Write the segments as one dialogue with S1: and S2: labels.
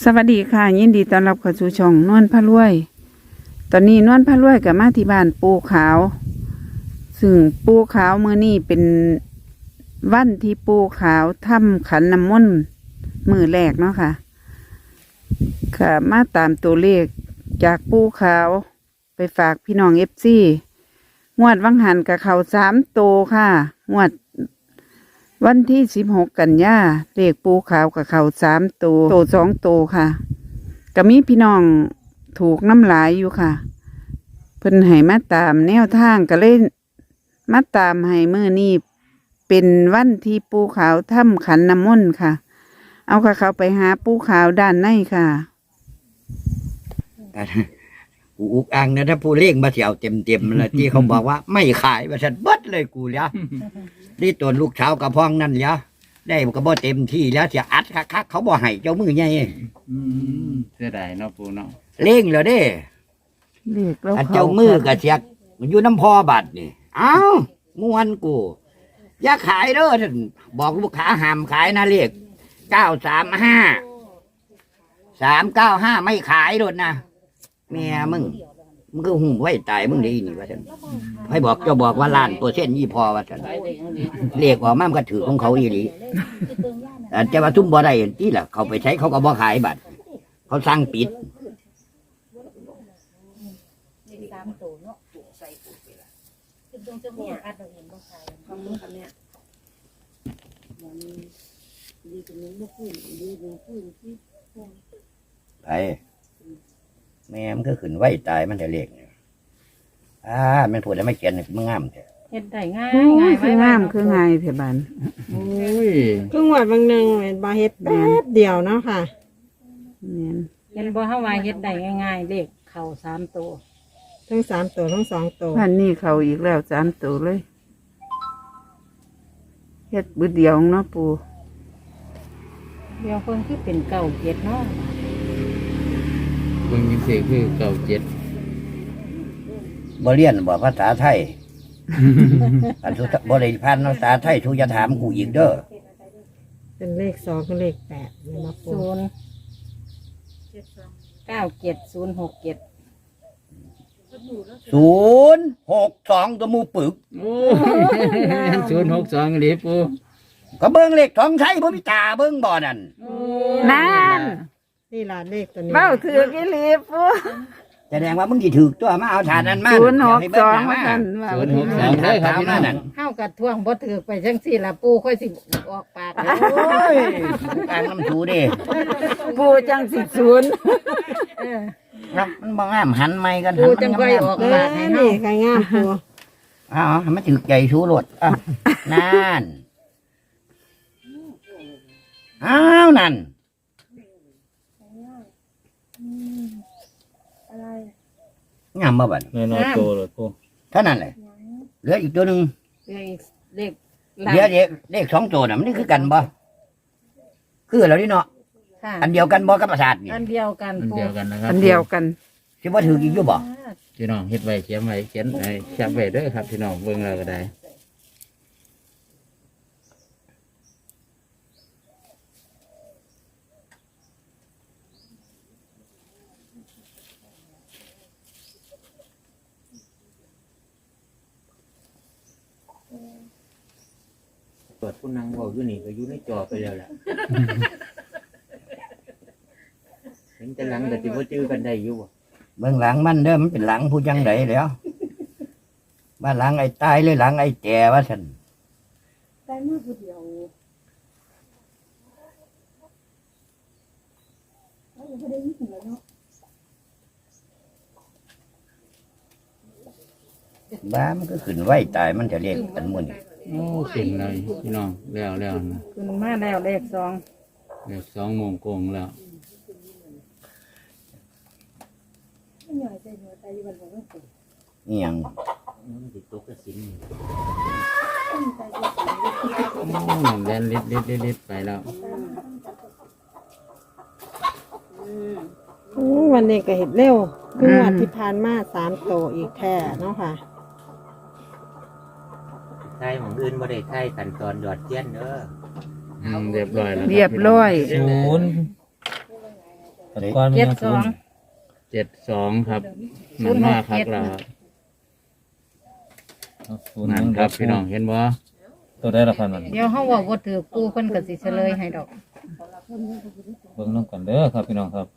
S1: สวัสดีค่ะยินดีต้อนรับเข้าสู่ช่องนวลพระรวย ตอนนี้นวลพระรวยกับมาที่บ้านปูขาว ซึ่งปูขาวมื้อนี้เป็นวันที่ปูขาวทำขันน้ำมนต์มื้อแรกเนาะค่ะค่ะมาตามตัวเลขจากปูขาวไปฝากพี่น้องFCงวดวังหันกับเขา3 ตัวค่ะงวดวันที่16 กันยาเลขปูขาวกับเขา3 ตัว2 ตัวค่ะก็มีพี่น้องถูกน้ำหลายอยู่ค่ะเพิ่นให้มาตามแนวทางก็เลยมาตามให้มื้อนี้เป็นวันที่ปูขาวทำขันน้ำมนต์ค่ะ เอาค่ะเขาไปหาปูขาวด้านในค่ะ
S2: กูอุกอังนะถ้าผู้เล่งมาเสียวเต็มเลยที่เขาบอกว่าไม่ขายมาฉันเบิดเลยกูแล้วนี่ตัวลูกเช้ากระพองนั่นแล้วได้ก็บ่เต็มที่แล้วเสียอัดคักเขาบ่ให้เจ้ามือใหญ่
S3: เสียดายเนาะปูเนาะ
S2: เล่งเลยเด้
S1: เลขแล้ว
S2: อัน
S1: เขา
S2: เจ้ามือก็เสียมันอยู่น้ำพอบัดนี่เอ้ามวนกูอย่าขายเด้อท่านบอกลูกค้าห้ามขายนะเลข935 ไม่ขายโดดนะแม่มึงก็หุ่มไว้ตายมึงดีนี่ว่าฉันให้บอกเจ้าบอกว่า1,000,000%ยี่พอว่าฉันเลขออกมามันก็ถือของเขาอีหลีแต่จะว่าทุ่มบ่ได้ที่ล่ะเขาไปใช้เขาก็บ่ขายบัตรเขาสั่งปิดไปแม่มันก็ขึ้นไหวตายมันจะเล็กเนี่ยมันพูดแล้วไม่เขียนมันงามแท้
S4: เฮ็ดได้ง่าย
S1: โอ้
S4: ง่าย ย
S1: คืองามคือง่ายเถอะบาน
S3: โอ้ย
S5: ครึ่งวันบางหนึ่งเป็นบาเฮ็ดแป๊บเดียวเนาะค่ะ
S1: เนี่ย
S4: เห็นบ่เฮาว่าเฮ็ดได้ง่ายๆเลขเข้า3 ตัว
S5: ทั้ง3 ตัวทั้ง2 ตัว
S1: พันนี้เขาอีกแล้ว3 ตัวเลยเฮ็ดบึดเดียวเนาะปู
S4: เดี๋ยวเพิ่นคือเป็นเก่าเจ็ดเนาะ
S3: เบิ่งจังซี่คือเก่า7
S2: บ่เรียนบ่ภาษาไทย อันสุดบ่ได้พันภาษาไทยทูจะถามกูอีกเด้อ
S5: เป็นเลข2กับเลข8เนี่ยมาปู
S4: 0976067
S2: 062ตัวมูปึก
S3: โอ้ย062หลีปู
S2: ก็เบิ่งเลขท้องไทยบ่มีตาเบิ่งบ่นั่น
S1: นั่น
S5: นี่ล่ะเลขตัวนี้
S1: เบ้าถือกี่ลีปู
S2: แสดงว่ามึงสิถูกตัวมาเอาฐานนั้นมา
S1: 062มาสั่นว่า
S3: 062เด้อครับพี่น้อง
S2: นั่น
S4: เฮากัดท่วงบ่ถือไปจังซี่ล่ะปู่ค่อยสิออกปาก
S2: โอ้ยอ่างน้ำถูเด้
S1: ปูจังสิศูนย์
S4: เออ
S2: ครับมันบ่งามหันไม้กัน
S4: ปู่จังค่อยออก
S5: เอ
S4: ปา
S5: อก
S4: ให้เฮา
S5: นี่ใครงามปู
S2: อ๋อมันถึกใจชูรถนั่นอ้าวนั่นงามบ่บัด
S3: น้อยๆโตเลยปู
S2: เท่านั้นแหละเหลืออีกตัวหนึง
S4: เลข
S2: เดี๋ยวเลข2 ตัวน่ะมันนี่คือกันบ่คือแล้วนี่เนาะ
S4: ค่ะ
S2: อันเดียวกันบ่กับประสาทนี่
S4: อันเดียวกัน
S3: อัน
S4: ปู่
S3: เดียวกันนะครับ
S1: อันเดียวกัน
S2: สิบ่ถืออีกอยู่บ่
S3: พี่น้องเฮ็ดไว้เขียนไว้เขียนไว้แคปไว้เด้อครับพี่น้องเบิ่งแล้วก็ได้เปิดผู้นั่งเว้าอยู่นี่ก็อยู่ในจอไปแล้วแหละ เห็นแต่หลังแต่สิบ่จื้อกันได้อยู่บ่
S2: เบื้องหลังมันเด้อมันเป็นหลังผู้จังไดแล้วบ้านหลังไอ้ตายเลยหลังไอ้แก่ว่าซั่นบ้ามันก็ขึ้นไหวตายมันจะเรียกกันหมุ่น
S3: โอ้เป็นเลยพี่น้องแล้วนะ
S4: ขึ้นมาแล้วเลข2
S3: เด็ก2 โมงโกงแล้ว
S2: นี่ยัง
S3: แล่นลิดไปแล้ว
S5: วันนี้ก็เฮ็ดเร็วครึ่งวันที่ผ่านมา3 ตัวอีกแท้เนาะค่ะ
S6: ใช่ของอื่นบ่ได้ใช่ขั้นตอนหยอดเทียนเด้อ
S3: เรียบร้อยแล้ว
S1: เรียบร้อย
S3: ศูนย์
S7: แต่ก่อนมัน
S4: เจ็ด
S7: ยัง
S4: สอง
S3: 72ครับมันมากครับเรา
S7: ศูนย์
S3: นั่นครับพี่น้องเห็นบ่
S7: ตัวได้ละพันมัน
S4: เดี๋ยวเฮาเว้าบ่ถือปูเพิ่นก็สิเฉลยให้ดอก
S7: เบิ่งน้ำกันเด้อครับพี่น้องครับ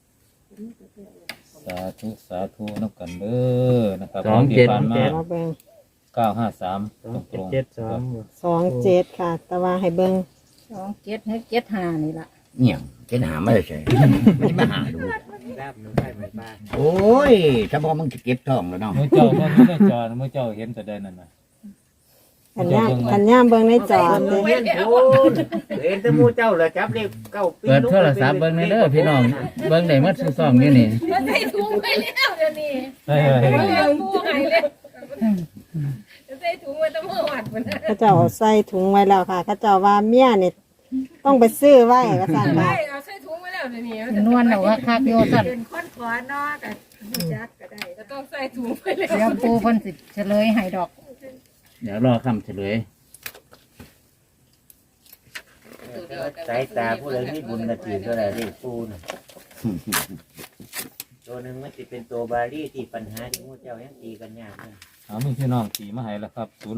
S7: สาธุสาธุน้ำกันเด้อนะครับที่ผ่านมา
S5: มาเบิ่ง
S7: 953ตรงๆครับ
S5: 27ค่ะ แต่ว่าให้เบิ่ง
S4: 27ให้75นี่ล่ะ
S2: เนี่ยเห็นหาไม่ได้ใช่ไม่มาหาดู
S6: ลาบหนูได้ไหมบ้าง
S2: โอ้ยถ้าบอกมึงจะเก็บทองแล้วเนาะ
S7: มื้อเจ้าเบิ่งอยู่ในจอมื้อเจ้าเห็นแต่ใดนั่นน่ะ
S5: ขันย่ามเบิ่งในจอ
S6: หนู
S5: เด้
S6: เห็นโอ้เห็นแต่หมูเจ้าเหรอจับเลขเก้าปี
S3: เปิดโทรศัพท์เบิ่งในเด้อพี่น้องเบิ่งได้หมดซุซ่องอยู่นี่
S8: มันใส่ถุงไปแล้วเดี๋ยวนี้
S7: เฮ้ย
S8: เอาปูหายเลยใส่ถุงไว้ตั้งเมื่อวานมัน
S5: เขาเจ้าเอาใส่ถุงไว้แล้วค่ะเขาเจ้าว่าเมียนี่ต้องไปซื้อไว้ว่าซั่นค่ะ
S8: เอาใส่ถุงไว้แล้วเดี๋ยวนี้
S4: นวลเอาว่าคักโยซั่น
S8: เป็นคนขอนอกับจักก็ได้ก็ต้องใส่ถุงไปเลย
S4: เดี๋ยวปูเพิ่นสิเฉลยให้ดอก
S3: เดี๋ยวรอคำเฉลย
S6: สายตาผู้ใดมีบุญกระถือเท่าไหร่เลขปูน่ะตัวหนึ่งมันจะเป็นตัวบาลีที่ปัญหาที่หมูเจ้ายังตีกันยากเลย
S7: เอามีพี่น้องตีมาให้แล้วครับ06%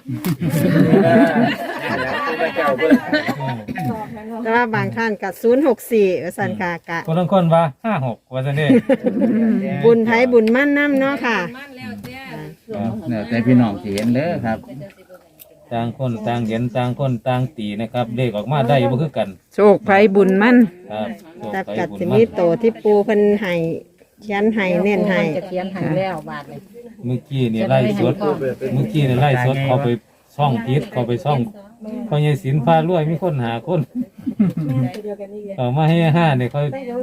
S6: เจ้าเบิ่ง
S5: แต่ว่าบางท่านก็064ว่าซั่นค่ะกะ
S7: คนละคนว่า56ว่าซั่นเด้
S5: บุญไผบุญมั่นน้ำเนาะค่ะ
S8: มันแล้วแต่
S3: เนี่ยแต่พี่น้องสิเห็นเด้อครับ
S7: ต่างคนต่างเห็นต่างคนต่างตีนะครับเลขออกมาได้บ่คือกัน
S1: โชคไผบุญมั่น
S7: ครับโชค
S5: แต่
S7: ไป
S5: กัด
S7: บุญ
S5: สิ
S7: มา
S5: มี
S7: ก
S5: โตที่ปูเพิ่นให้เขียนให้เน้นให้
S4: จะเขียนให้แล้วบาดนี้
S7: เมื่อกี้นี่ไล่สดเมื่อกี้นี่ไล่สดเขาไปช่องพิษเขาไปช่องพอใหญ่ศิลป์พารวยมีคนหาคนเอามาให้5เนี่ยเขา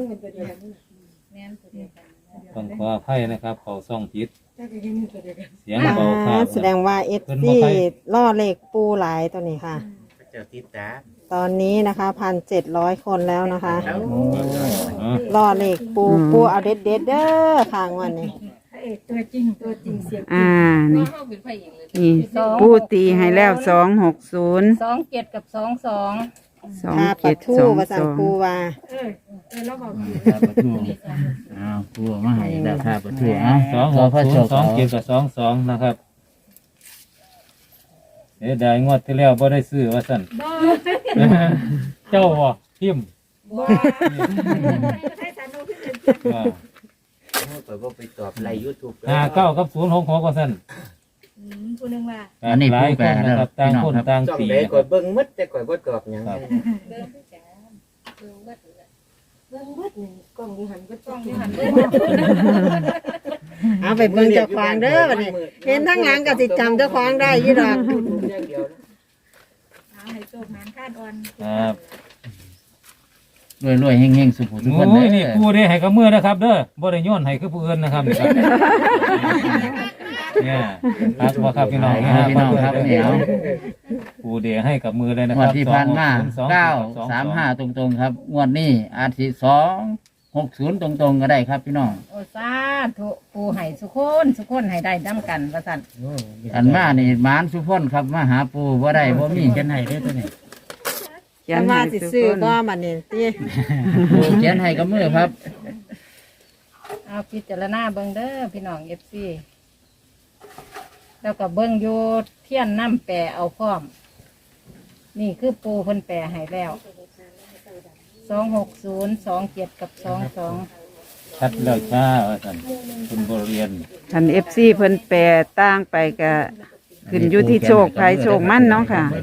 S7: ต้องขออภัยนะครับ เขาช่องพิษเสียงเบาครับ
S5: แสดงว่า FC ล่อเลขปูหลายตัวนี้ค่ะ
S6: เจ้าติดตา
S5: ตอนนี้นะคะ1,700 คนแล้วนะคะ
S7: อ๋อ
S5: ล่อเลขปูเอาเด็ดเเด้อค่ะงวันนี้
S8: ตัวจริงเสียง
S1: นี่
S8: เข้าเป็นพระเอกเลย
S1: นี่ปูตีให้แล้ว260
S4: 27กับ22
S5: ถ้าปะทู่ว่าสั่งปูว่า
S8: แล้วบอก
S3: ครับประตูอ้าวปูมาให้แล้วครับประตูอ้าว
S7: 260 27กับ22นะครับได้งวดที่แล้วบ่ได้ซื้อว่าซั่นเจ้าบ่พิมพ์
S8: ให้สานุขึ้น
S7: ว่า
S6: เปิดว่าไปตอบไลน์ยูทูบ
S7: 59กับ066ว่าซั่น
S8: ผู้นึงว่า
S3: อันนี้
S7: หลา
S3: ปู
S7: ย
S3: แป
S7: ค
S3: ล
S7: น
S3: แล้
S7: นะ
S3: ว
S7: ครับต่าง
S3: พี่น้อง
S7: คน
S3: ครับ
S7: ต่าง
S6: จ้อง
S7: ตี
S6: ใด
S7: นะค
S6: ก่อ
S7: รับ
S6: นเบิ่งมัดแต่ก่อนบ่ตอบหยัง
S7: ครับ
S8: กล้องที่หันก็กล้องที่หัน
S5: เอาไปเบิ่งเจ้าของเด้อวันนี้ เห็นทั้งหลังก็สิจำเจ้าของได้อยู่ดอก
S8: เอาให้โชคมันคาดอ่อน
S7: ครับ
S3: รวยๆเฮงๆสุขทุกคน
S7: โอ้
S3: เด้
S7: ยนี่
S3: อ
S7: ปูได้ให้กับมือนะครับเด้อบ่ได้โย้อนให้คือผู้อื่นนะครับนี่ครับเนี่ยครับว่าครับพี่น้อง
S3: พี่น้องครับเหนียว
S7: ปูเดให้กับมือเลยนะ
S3: ง
S7: คว รั
S3: ด
S7: บ
S3: ที่ผ่านมา
S7: 260
S3: 935 ตรงๆครับงวดนี้อาทิตย์260 ตรงๆก็ได้ครับพี่น้อง
S4: โอ้สาธุปูให้สุคนให้ได้นํกันว่าซั่น
S3: อันมานี่หมานสุพนครับมาหาปูบ่ได้บ่มีเขียนให้เด้อตัวนี้
S1: เขีย
S5: แต่
S1: น
S5: ว่า
S1: ให้
S5: สิ
S1: ทุก
S5: ซื้อ
S1: คน
S5: บ่บัดนี้ติ
S3: ปูเขียนให้กับมือครับ
S4: เอาพิจารณาเบิ่งเด้อพี่น้อง FC แล้วก็เบิ่งอยู่เทียนน้ำแปรเอาพร้อม นี่คือปูเพิ่นแปรให้แล้ว260 27กับ22
S7: ชัดแล้วจ้าว่าซั่นคุณบ่เรียน
S1: คัน FC เพิ่นแปรต่างไปก็ขึ้นอยู่ที่โชคไผโชคมั่นเนาะค่ะ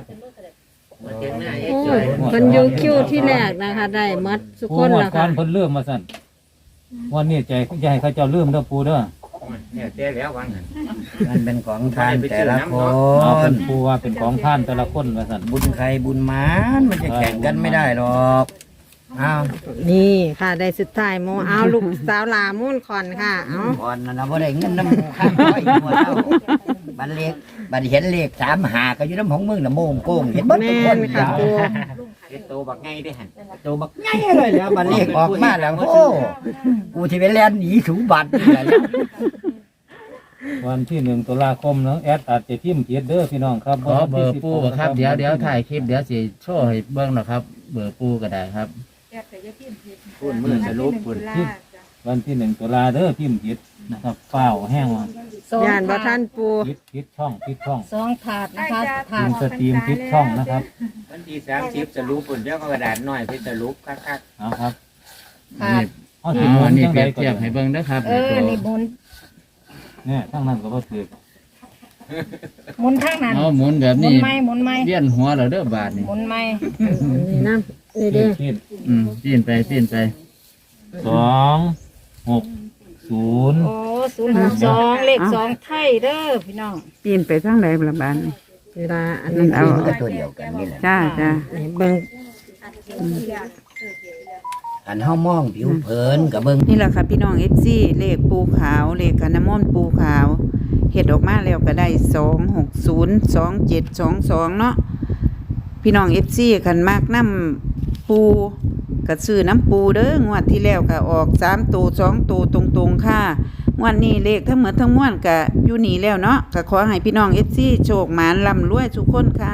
S5: โอ้ยเพิ่นอยู่คิวที่แรกนะคะ ได้หมดทุก
S7: ปู
S5: คน
S7: หมด
S5: แล้ว
S7: ก่อ
S5: ค่ะ
S7: นเพิ่นลืมมาซั่นวันนี้ใจอย่าให้เขาเจ้าลืมเด้อปูเด้อ
S6: เนี่ยแต่แล้ววางหัน
S2: มันเป็นของทานแต่ละค
S7: เอาเป็น
S2: น
S7: ปูว่าเป็นของท่านแต่ละคนว่าซั่น
S2: บุญใครบุญมันมันจะแข่งกันไม่ได้หรอกอ้าว
S5: นี่ค่ะได้สุดท้ายโมเอาลูกสาวหลามุ่นคอนค่ะ เอา
S2: ก่อนนะบ่ได้เงินน้ำข้างร้อยหัวเจ้าบันเลขบันเห็นเลข35ก็อยู่น้ำของมึงน่ะโมงโกงเห็นเบ่ทุ
S5: แม่
S2: กคน
S5: นค่ะปู
S6: เฮ็ดโตบักไงได้หัน
S2: ตัวบักใหญ่เลยแล้วบันเลขออกมาแล้วโอ้กูที่ไปแล่นหนีสูบัตรนี่แหละ
S7: วันที่1 ตุลาคมเนาะแอดอาจจะพิมพ์เขียนเด้อพี่น้องครับ
S3: ขอเบอร์ปูบ่ครับเดี๋ยวถ่ายคลิปเดี๋ยวสิโชว์ให้เบิ่งหน่อยครับ เบอร์ปูก็ได้ครับ
S8: แกแต่ยาพิมพ์ผิด
S6: ปูพูดมือสรุปพูด
S7: วันที่1 ตุลาเด้อพิมพ์ผิดนะครับเฝ้าแห้งว่า
S4: สอง
S5: ย่านบ่
S4: ถา
S5: ท่า
S4: ด
S5: นปู
S7: ผิดช่อง
S4: สองถาดนะคะถา
S7: พิ
S4: ด
S7: มพ์สตรีมผิดช่องนะครับ
S6: วันที่30สรุปปุ่นเจ้ากระดาษน้อยไปสรุปคัก
S7: เอาครับ
S4: ถาด
S7: เอา
S3: อ๋
S7: สิ
S3: อ
S7: หมุ
S3: อั
S7: น
S3: นนี้
S7: จัง
S3: เป
S7: ได
S3: รียบ
S7: ก็
S3: เทียบให้เบิ่งเด้อครับ
S4: นี่หมุน
S7: เนี่ยทั้งนั้นก็บ่ถูก
S4: หมุนข้างนั้น
S3: เอาหมุนแบบ
S4: หมุน
S3: นี้
S4: ไหมหมุนไหม
S3: เวียนหัวแล้วเด้อบาทนี่
S4: หมุนไหม
S5: นี่น้ำนี่เด้อ
S7: ผิด
S3: ปีนไปปีนไป
S7: 260
S4: โอ้062เลขสองไทยเด้อพี่น้อง
S1: ปีนไปทางใดละบานนี่
S5: เวลาอัน
S1: นั่
S5: นี้
S1: นเอา
S2: มันก็ตัวเดียวกันนี่แหละ
S1: จ้าจ้า
S5: เบิ่ง
S2: อันเฮามองผิวเผินกับเบิ่ง
S1: นี่แหละค่ะพี่น้องFC เลขปูขาวเลขขันน้ำมนต์ปูขาวเฮ็ดออกมาแล้วก็ได้2602722เนาะพี่น้อง FC คันมากน้ำปูก็ซื้อน้ำปูเด้องวดที่แล้วก็ออก3ตัว2ตัวตรงๆค่ะงวดนี้เลขทั้งหมดทั้งมวลก็อยู่นี่แล้วเนาะก็ขอให้พี่น้อง FC โชคหมานร่ำรวยทุกคนค่ะ